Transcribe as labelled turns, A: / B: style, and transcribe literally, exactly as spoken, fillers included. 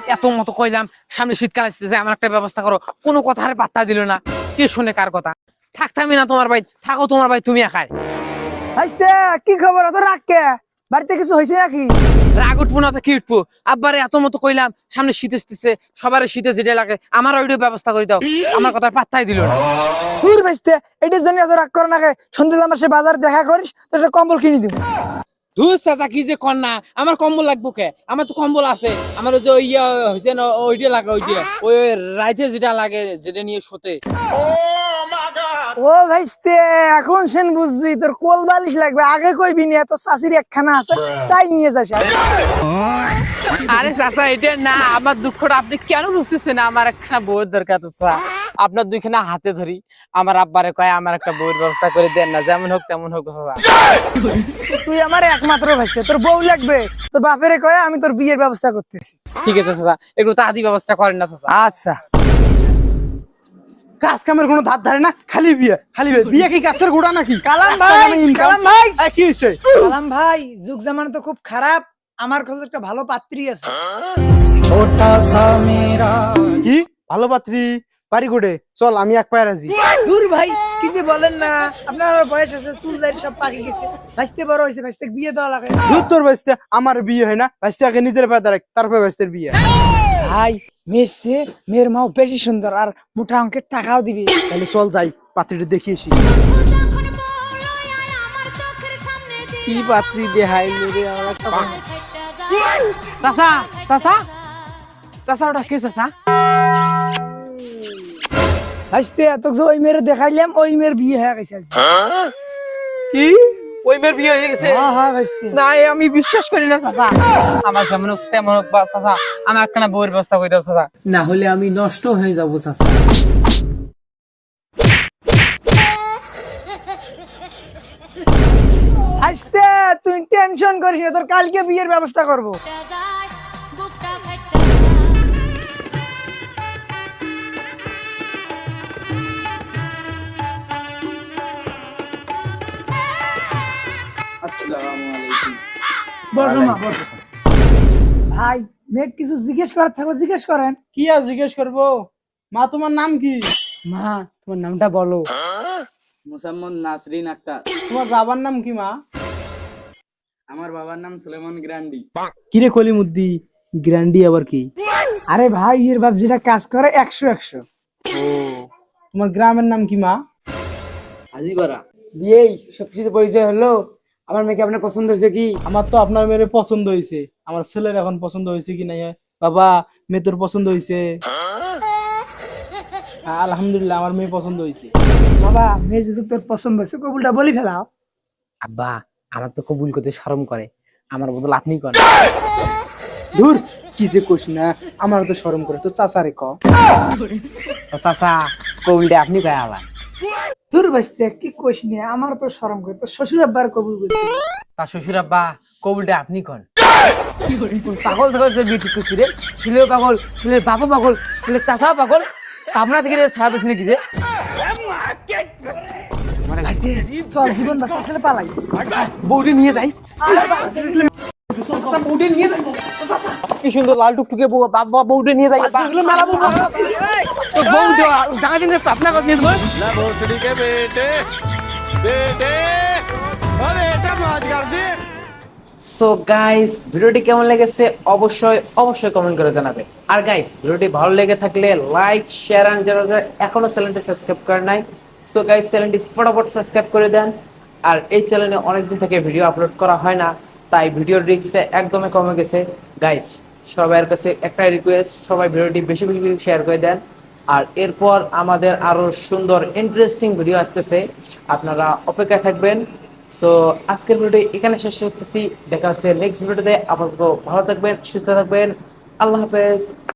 A: এত মতো কইলাম সামনে শীতকাল আসতেছে, আমার একটা ব্যবস্থা করো, কোনো কথা আর পাত্তা দিল না। কে শুনে কার কথা? থাকতামই না তোমার ভাই, থাকো তোমার ভাই, তুমি একাই।
B: ভাইস্তে কি খবর? অত রাগ কে? বাড়িতে কিছু হয়েছে নাকি?
A: রাগ উঠবো না তো কি উঠবো? আব্বারে এত মতো কইলাম সামনে শীত আসতেছে, সবার শীতে যেটা লাগে আমার ওইটার ব্যবস্থা করে দাও, আমার কথা পাত্তাই দিল না।
B: দূর ভাইস্তে, এটার জন্য এত রাগ করে নাকি? সন্ধ্যে আমার সে বাজার দেখা করিস, তোর একটা কম্বল কিনে দিব।
A: ধুর চাচা, কি যে কন্যা, আমার কম্বল লাগবো কে? আমার তো কম্বল আছে, আমার ওই যে ওই ইয়ে হয়েছে না, ওইটা লাগে, ওইটা ওই রাইতে যেটা লাগে, যেটা নিয়ে শোতে।
B: ও ভাইস্তে, এখন সেন বুঝছি তোর কোল বালিশ লাগবে। আগে কইবি নি, এত চাষির একখানা আছে তাই নিয়ে যাস।
A: আরে চাচা, এটা না, আমার দুঃখটা আপনি কেন বুঝতেছেন না? আমার একটা বউয়ের দরকার চাচা, আপনার দুইখানা হাতে ধরি, আমার আব্বারে কয় আমার একটা বউয়ের ব্যবস্থা করে দেন না, যেমন হোক তেমন হোক চাচা।
B: তুই আমার একমাত্র ভাইস্তে, তোর বউ লাগবে, তোর বাপেরে কয়ে আমি তোর বিয়ের ব্যবস্থা করতেছি।
A: ঠিক আছে চাচা, একটু তাড়াতাড়ি ব্যবস্থা করেন না চাচা।
B: আচ্ছা।
C: কাজ কামের কোনো ধার ধারে না, খালি বিয়ে, খালি বিয়ে। বিয়ে কি গাছের গোড়া নাকি?
B: কালাম
C: একটা
B: ভাই,
C: গানে income।
B: কালাম ভাই।
C: এই, কি হয়েছে?
B: কালাম ভাই, যুগ জামানা তো খুব খারাপ, আমার কাছে একটা ভালো পাত্রী আছে।
C: কি ভালো পাত্রী? বাড়ি কোটে? চল, আমি এক পায়ে রাজি।
B: দূর ভাই, কি যে বলেন না, আপনার আবার বয়স আছে, চুল দাড়ি সব পাকে গেছে, ভাইস্তে বড় হয়েছে, ভাইস্তে বিয়ে দেওয়া লাগে।
C: দূর তোর বাইসতে, আমার বিয়ে হয় না? বাইসতে আগে নিজের পায়ে দাঁড়ায়, তারপরে বাইসতের বিয়ে।
B: ভাই, মেয়ের চেয়ে মেয়ের মাও বেশি সুন্দর, আর মোটা অঙ্কের টাকাও দিবি।
C: তাহলে চল যাই, পাত্রীটা দেখিয়ে আসি।
A: কি পাত্রী দেখাই রে আমার একটা বউ। চাচা, চাচা, চাচা, ওটা কে চাচা?
B: ভাইস্তে এত যে ওই মেয়ের দেখাইলাম, ওই মেয়ের বিয়ে হয়ে গেছে আজকে।
A: কি ওই মেয়ের বিয়ে হয়ে গেছে?
B: হ্যাঁ হ্যাঁ ভাইস্তে।
A: না, এ আমি বিশ্বাস করি না চাচা। আমার যেমন হোক তেমন হোক বা চাচা, আমার একটা বউয়ের ব্যবস্থা করে দাও চাচা, না হলে আমি নষ্ট হয়ে যাবো চাচা।
B: ভাইস্তে তুই টেনশন করিস না, তোর কালকে বিয়ের ব্যবস্থা করবো। বসো মা, বসো। ভাই, মেয়ে কিছু জিজ্ঞেস করার থাকলে জিজ্ঞেস করেন।
C: কি আর জিজ্ঞেস করবো? মা, তোমার নাম কি?
B: মা, তোমার নামটা বলো।
D: মোসাম্মদ নাসরিন আক্তার।
C: তোমার বাবার নাম কি মা?
D: আমার বাবার নাম সুলেমান গ্রান্ডি।
C: কিরে কলিমুদ্দি, গ্র্যান্ডি আবার কি?
B: আরে ভাই, এর বাপ যেটা কাজ করে একশো একশো।
C: ও, তোমার গ্রামের নাম কি মা?
D: হাজিপাড়া।
B: বিয়েই সবকিছু পরিচয় হলো। আমার মেয়েকে আপনার পছন্দ হয়েছে কি?
C: আমার তো আপনার মেয়ের পছন্দ হয়েছে, আমার ছেলের এখন পছন্দ হয়েছে কি নাই? বাবা, মেয়ে তোর পছন্দ হয়েছে? হ্যাঁ, আলহামদুলিল্লাহ, আমার মেয়ে পছন্দ হয়েছে।
B: বাবা, মেয়ে যদি তোর পছন্দ হয়েছে কবুলটা বলি ফেলাও।
A: আব্বা, আমার তো কবুল করতে শরম করে, আমার বদল আপনি করেন।
C: ধুর, কি যে কইস না, আমার তো শরম করে, তো চাচারে ক।
A: চাচা, কবুলটা আপনি কয়ে আলা।
B: তোর বাঁচতে কি কইস না, আমার তো শরম করে, তোর শ্বশুর আব্বার কবুল করতে।
A: তার শ্বশুর আব্বা, কবুলটা আপনি কন। পাগল ছাগল সে বিয়ে ঠিক করছি রে, ছেলেও পাগল, ছেলের বাবা পাগল, ছেলের চাচাও পাগল, আপনার থেকে ছাড়া পেছনে কি রে?
B: চল, জীবন বাঁচা ছেলে পালাই।
A: বউটি নিয়ে যাই। কি সুন্দর লাল টুকটুকে বউ, বাবা বউটি নিয়ে যাই। মেলা বউ, তো বউ জায়গা দিন আপনার নিয়ে যাবো।
E: ना भोसड़ी के बेटे बेटे अरे बेटा मौज कर दे।
A: সো গাইস, ভিডিওটি কেমন লেগেছে অবশ্যই অবশ্যই কমেন্ট করে জানাবে। আর গাইস, ভিডিওটি ভালো লেগে থাকলে লাইক, শেয়ার এন্ড যারা যারা এখনো চ্যানেলটি সাবস্ক্রাইব করে নাই, সো গাইস চ্যানেলটি ফটাফট সাবস্ক্রাইব করে দেন। আর এই চ্যানেলে অনেকদিন থেকে ভিডিও আপলোড করা হয় না, তাই ভিডিওর রিস্কটা একদমই কমে গেছে। গাইস, সবার কাছে একটাই রিকোয়েস্ট, সবাই ভিডিওটি বেশি বেশি শেয়ার করে দেন। আর এরপর আমাদের আরো সুন্দর ইন্টারেস্টিং ভিডিও আসতেছে, আপনারা অপেক্ষায় থাকবেন। সো আজকের ভিডিও এখানে শেষ করতেছি, দেখা হচ্ছে নেক্সট ভিডিওতে। আপাতত ভালো থাকবেন, সুস্থ থাকবেন, আল্লাহ হাফেজ।